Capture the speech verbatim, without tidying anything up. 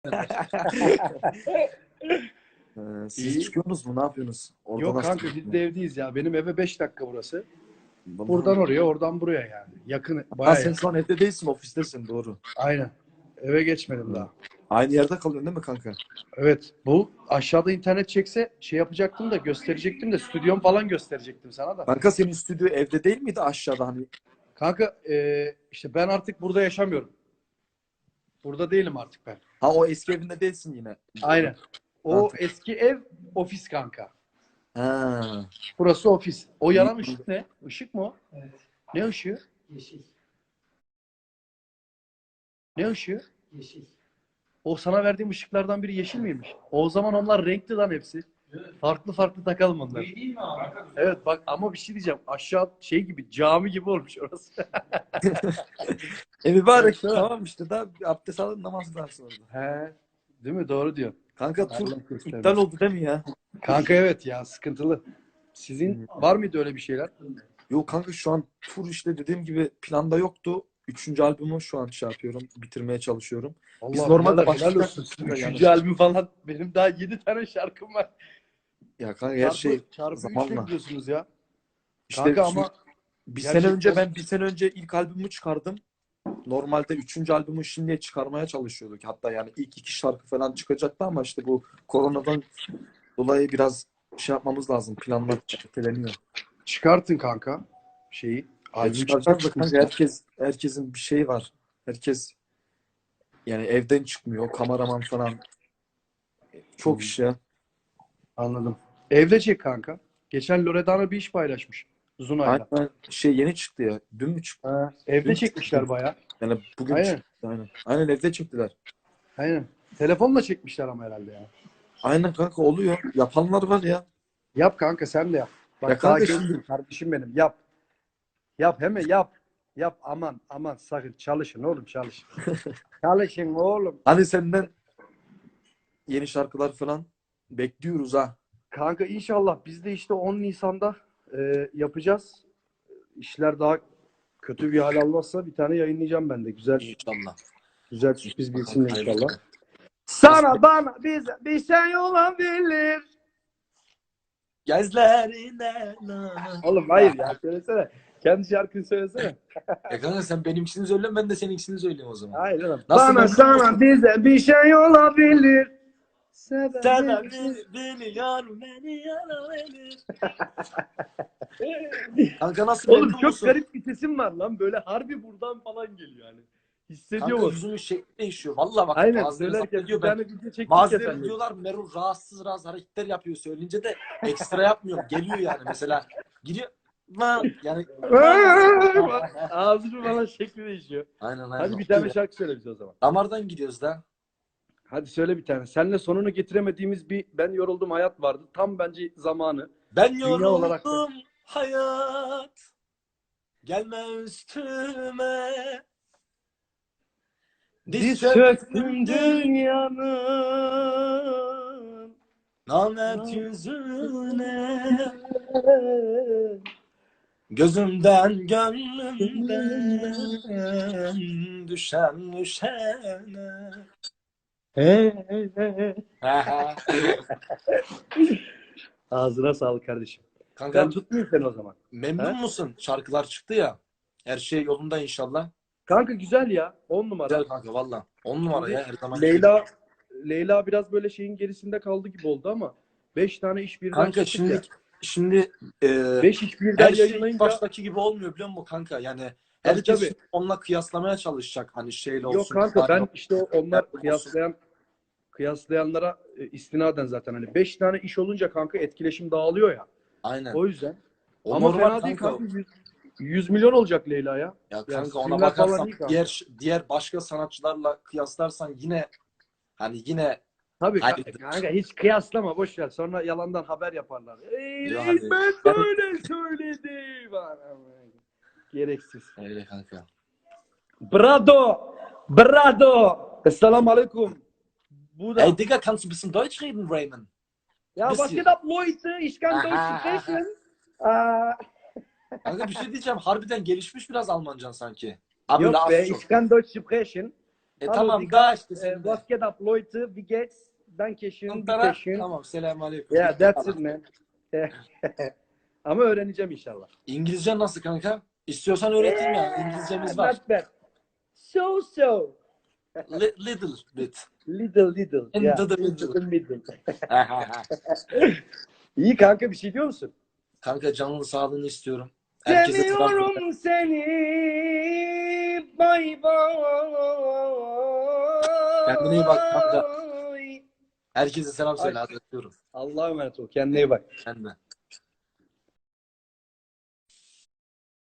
Ee, siz İyi. çıkıyorsunuz mu? Ne yapıyorsunuz? Orada Yok nasıl kanka gidiyor? biz de evdeyiz ya. Benim eve beş dakika burası. Buradan Vallahi- oraya, oradan buraya yani. Yakın, Ha, bayağı sen yakın. şu an evde değilsin, ofistesin, doğru. Aynen. Eve geçmedim Hı. daha. Aynı yerde kalıyorsun değil mi kanka? Evet. Bu aşağıda internet çekse şey yapacaktım da gösterecektim de stüdyom falan gösterecektim sana da. Kanka senin stüdyo evde değil miydi, aşağıda hani? Kanka e, işte ben artık burada yaşamıyorum. Burada değilim artık ben. Ha, o eski evinde değilsin yine. Aynen. O Ha, eski ev ofis kanka. ha. Burası ofis. O İyi. yanan ışık ne? Işık mı o? Evet. Ne ışığı? Yeşil. Ne ışığı? Yeşil. O sana verdiğim ışıklardan biri yeşil miymiş? O zaman onlar renkli lan hepsi. Evet. Farklı farklı takalım onları. İyi değil mi abi? Evet bak ama bir şey diyeceğim. Aşağı şey gibi cami gibi olmuş orası. E mübarek, Evet, tamam işte, daha bir abdest alın, namaz kılarsın orada. He. Değil mi? Doğru diyor. Kanka tur Allah göstermesin. iptal oldu değil mi ya? Kanka evet ya sıkıntılı. Sizin var mıydı öyle bir şeyler? Yok kanka, şu an tur işte dediğim gibi planda yoktu. Üçüncü albümü şu an şey yapıyorum, bitirmeye çalışıyorum. Biz Allah normalde birader, helal başlayacak olsun. mısın da Üçüncü yani? albüm falan. Benim daha yedi tane şarkım var. Ya kanka, her Çarpı, şey çarpı üçle zamanla. gidiyorsunuz ya. İşte Kanka şimdi ama bir sene gerçekten- önce ben bir sene önce ilk albümümü çıkardım. Normalde üçüncü albümü şimdiye çıkarmaya çalışıyorduk. Hatta yani ilk iki şarkı falan çıkacaktı ama işte bu koronadan dolayı biraz şey yapmamız lazım. Planlar erteleniyor. çıkartın kanka şeyi. Albüm Çıkaracağız da çıkartın. kanka, herkes herkesin bir şeyi var. Herkes yani evden çıkmıyor. Kameraman falan. Çok iş ya. Anladım. Evde çek kanka. Geçen Loredana bir iş paylaşmış. Zunay'la. Aynen, şey yeni çıktı ya. Dün mü çıktı? Ha, evde Dün çekmişler çıktı. bayağı. Yani bugün Aynen. çıktı. Aynen. Aynen, evde çektiler. Aynen. Telefonla çekmişler ama herhalde ya. Aynen kanka, oluyor. Yapanlar var ya. Yap kanka sen de yap. Bak Ya daha kanka gencim şimdi kardeşim benim. Yap. Yap hemen yap. Yap aman aman sakın çalışın oğlum çalışın. Çalışın oğlum. hani senden yeni şarkılar falan bekliyoruz ha. Kanka inşallah biz de işte on Nisan'da e, yapacağız. İşler daha kötü bir hal almazsa bir tane yayınlayacağım ben de. Güzel İnşallah. güzel sürpriz bir isimle Hayırlı inşallah. olsun. Sana bana bize bir şey olabilir. Gözlerine Oğlum hayır ya söylesene. Kendi şarkını söylesene. E kanka sen benimkisini söyle, ben de seninkisini söyleyeyim o zaman. Hayır oğlum. Nasıl Bana memnun sana musun? bize bir şey olabilir. Sebebi Sebebi- biliyor beni yanabilir. Kanka nasıl Oğlum memnun çok musun? garip bir sesim var lan. Böyle harbi buradan falan geliyor yani. Hissediyor Kanka musun? yüzümün şekli değişiyor. Vallahi bak, Aynen bazıları söylerken zannediyor bir ben. tane video çektik ya Bazıları seninle. diyorlar Merul rahatsız rahatsız hareketler yapıyor, söyleyince de ekstra yapmıyorum. Geliyor yani mesela. Giriyor. Lan yani. Ağzını falan şekli değişiyor. Aynen aynen. Hadi bir tane şarkı söyle bize o zaman. Damardan gidiyoruz da. Hadi söyle bir tane. Seninle sonunu getiremediğimiz bir ben yoruldum hayat vardı. Tam bence zamanı. Ben Dünya yoruldum olarak da. hayat. Gelme üstüme. Diz çöktüm dünyanın. Namert yüzüne. Gözümden gönlümden düşen düşene. He, he, he. Aha. Ağzına sağlık kardeşim. Kanka Ben tutmayayım seni o zaman. memnun He? musun? Şarkılar çıktı ya. Her şey yolunda inşallah. Kanka güzel ya. On numara. Güzel kanka valla. On numara ya her zaman. Leyla Leyla biraz böyle şeyin gerisinde kaldı gibi oldu ama beş tane iş birden Kanka çıktık şimdi ya. şimdi e, beş iş birden her şey ilk yayınlayınca baştaki gibi olmuyor biliyor musun kanka? Yani Tabii, herkes tabii. şimdi onunla kıyaslamaya çalışacak. Hani şeyle olsun. yok kanka ben işte o- onlar olsun. kıyaslayan kıyaslayanlara e, istinaden zaten hani beş tane iş olunca kanka etkileşim dağılıyor ya. Aynen. O yüzden. O Ama normal fena değil kanka. kanka. yüz yüz milyon olacak Leyla ya. Ya Yani kanka ona filmler falan bakarsan iyi kanka. diğer diğer başka sanatçılarla kıyaslarsan yine hani yine Tabii Hayır. kanka, kanka hiç kıyaslama boş ver. Sonra yalandan haber yaparlar. Ey Yok reis hadi. ben böyle söyledim. Gereksiz. öyle kanka. Brado! Brado! Esselamu Aleyküm. Bu da. Ey Digga, kannst du ein bisschen Deutsch reden, Raymond? Ja, was bisschen. geht ab, Leute? Ich kann Aha, Deutsch sprechen. Aa, Kanka bir şey diyeceğim. Harbiden gelişmiş biraz Almancan sanki. Abi Yok be, laf çok. ich kann Deutsch sprechen. E Hallo, tamam Digga. daha işte Äh, senin de. was geht ab, Leute? Wie geht's? Dankeschön, Tara. bitteschön. Tamam selamünaleyküm. Yeah, that's it man. Ama öğreneceğim inşallah. İngilizce nasıl kanka? İstiyorsan öğreteyim yani. İngilizcemiz var. Not bad. So so. Li- little bit. Little little. In Yeah. the Into middle. the middle. İyi kanka bir şey diyor musun? Kanka canlı sağlığını istiyorum. Herkese selam söyle. Seviyorum seni. Bay bay. Kendine iyi bak kanka. Herkese selam söyle. Hadi öpüyorum. Allah'a emanet ol. Kendine iyi bak. Ben de.